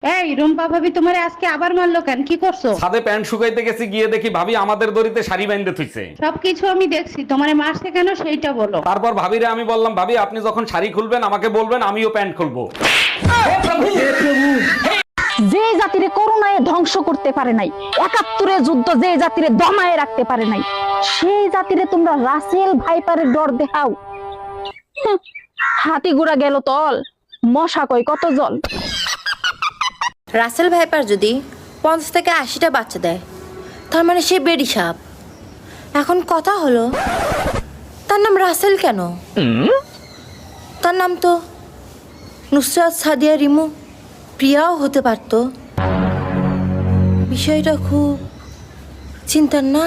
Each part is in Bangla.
এই রুম্পা ভাবি তোমারে আজকে আবার মারলো কেন? কি করছো? ছাদে প্যান্ট শুকাইতে গেছি, গিয়ে দেখি ভাবি আমাদের দড়িতে শাড়ি বাইন্ধে থুইছে। সবকিছু আমি দেখছি, তোমারে মারছে কেন সেইটা বলো। তারপর ভাবিরে আমি বললাম, ভাবি আপনি যখন শাড়ি খুলবেন আমাকে বলবেন, আমিও প্যান্ট খুলবো। যে জাতিরে করোনায় ধ্বংস করতে পারে নাই, ৭১ যুদ্ধ যে জাতিরে দমায়ে রাখতে পারে নাই, সেই জাতিরে তোমরা রাসেল ভাইপারের ডর দেখাও। হাতি গুড়া গেল তল, মশা কই কত জল। রাসেল ভাইপার যদি ৫০ থেকে ৮০টা বাচ্চা দেয়, তার মানে সে বেডি সাপ। এখন কথা হলো, তার নাম রাসেল কেন? তার নাম তো নুসরাত, সাদিয়া, রিমু, প্রিয়াও হতে পারতো। বিষয়টা খুব চিন্তার না?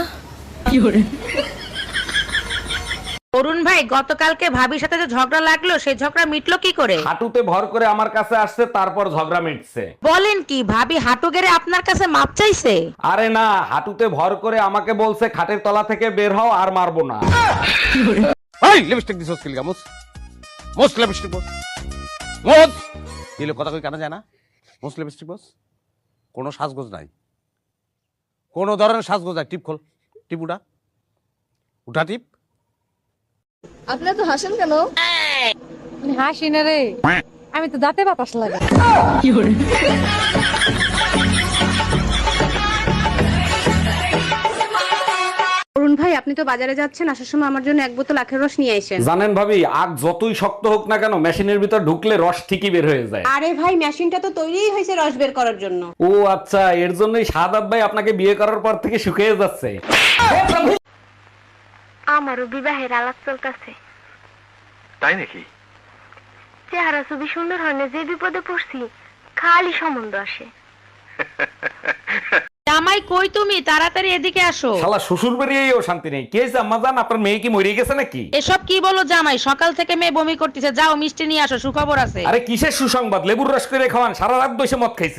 অরুণ ভাই, গতকালকে ভাবির সাথে যে ঝগড়া লাগলো, সেই ঝগড়া মিটলো কি করে? হাঁটুতে ভর করে আমার কাছে আসছে, তারপর ঝগড়া মিটছে। বলেন কি, ভাবি হাঁটু গেড়ে আপনার কাছে মাপ চাইছে? আরে না, হাঁটুতে ভর করে আমাকে বলছে খাটের তলা থেকে বের হও, আর মারবো না। এই লিপস্টিক দিছস কি লিগা? মোস লিপস্টিক বস মোস দিলে কথা কই কানা যায় না? মোস লিপস্টিক বস কোনো সাজগোজ নাই, কোনো ধরনের সাজগোজ নাই। টিপ খোল, টিপ উঠা টিপ। আপনারা তো হাসেন কেন? হাসি না রে, আমি তো দাঁতে বাতাস লাগে। অরুণ ভাই, আপনি তো বাজারে যাচ্ছেন, আসার সময় আমার জন্য ১ বোতল আখের রস নিয়ে আসেন। জানেন ভাবি, আগ যতই শক্ত হোক না কেন, মেশিনের ভিতর ঢুকলে রস ঠিকই বের হয়ে যায়। আরে ভাই, মেশিনটা তো তৈরিই হয়েছে রস বের করার জন্য। ও আচ্ছা, এর জন্যই শাহাদাত ভাই আপনাকে বিয়ে করার পর থেকে শুকিয়ে যাচ্ছে। আমারও বিবাহের আলাপ চলতেছে। তাই নাকি? চেহারা খুবই সুন্দর হয় না, যে বিপদে পড়ছি খালি সম্বন্ধ আসে। জামাই কই তুমি? তাড়াতাড়ি এদিকে আসো। শালা শ্বশুর বেরিয়েও শান্তি নেই। কে হয়েছে আম্মা জান, আপনার মেয়ে কি মরে গেছে নাকি? এসব কি বলো জামাই? সকাল থেকে মেয়ে বমি করতেছে, যাও মিষ্টি নিয়ে আসো, সুখবর আছে। আরে কিসের সুসংবাদ? লেবুর রস করে খাওয়ান, সারা রাত বসে মদ খাইছে।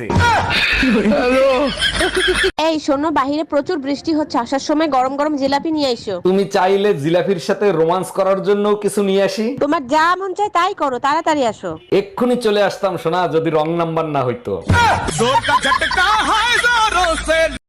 এই শোনো, বাহিরে প্রচুর বৃষ্টি হচ্ছে, আসার সময় গরম গরম জিলাপি নিয়ে এসো। তুমি চাইলে জিলাফির সাথে রোমান্স করার জন্য কিছু নিয়ে আসি। তোমার যা মন চায় তাই করো, তাড়াতাড়ি আসো। এক্ষুনি চলে আসতাম সোনা, যদি রং নাম্বার না হইতো।